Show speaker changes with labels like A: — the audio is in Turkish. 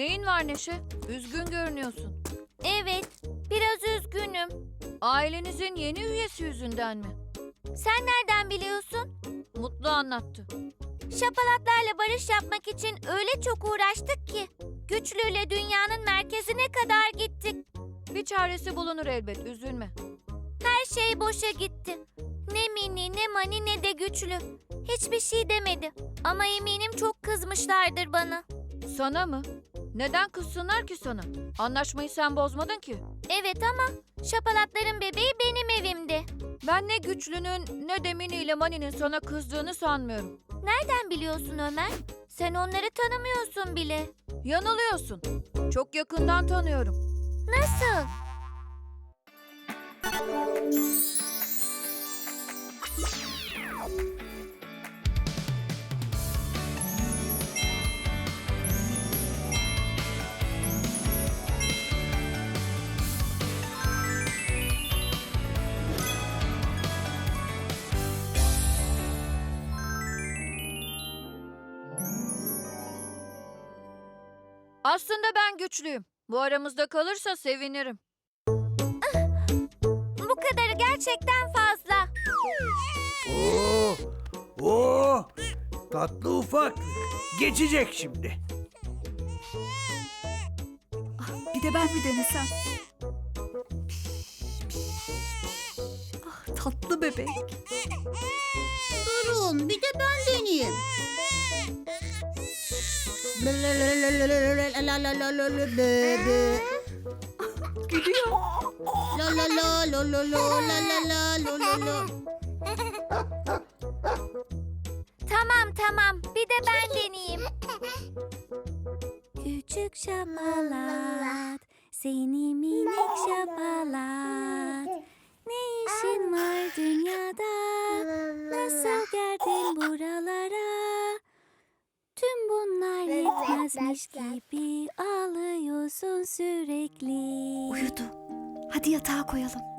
A: Neyin var Neşe? Üzgün görünüyorsun.
B: Evet, biraz üzgünüm.
A: Ailenizin yeni üyesi yüzünden mi?
B: Sen nereden biliyorsun?
A: Mutlu anlattı.
B: Şapalatlarla barış yapmak için öyle çok uğraştık ki. Güçlüyle dünyanın merkezine kadar gittik.
A: Bir çaresi bulunur elbet, üzülme.
B: Her şey boşa gitti. Ne Mini, ne Mani, ne de Güçlü. Hiçbir şey demedi. Ama eminim çok kızmışlardır bana.
A: Sana mı? Neden kızsınlar ki sana? Anlaşmayı sen bozmadın ki.
B: Evet ama şapalatların bebeği benim evimde.
A: Ben ne Güçlü'nün ne de Mini ile Mani'nin sana kızdığını sanmıyorum.
B: Nereden biliyorsun Ömer? Sen onları tanımıyorsun bile.
A: Yanılıyorsun. Çok yakından tanıyorum.
B: Nasıl?
A: Aslında ben güçlüyüm. Bu aramızda kalırsa sevinirim.
B: Bu kadarı gerçekten fazla.
C: Oo, oo, tatlı ufak. Geçecek şimdi.
D: Bir de ben mi denesem? Ah, tatlı bebek.
E: Durun, bir de ben deneyeyim.
D: Gülüyor.
E: La la la lo lo lo la la la lo lo lo.
B: Tamam. Bir de ben deneyeyim. Küçük şapalat, seni minik şapalat. Ne işin var dünyada? Nasıl geldin buralara? Tüm bunlar yetmezmiş gibi ağlıyorsun sürekli.
D: Uyudu. Hadi yatağa koyalım.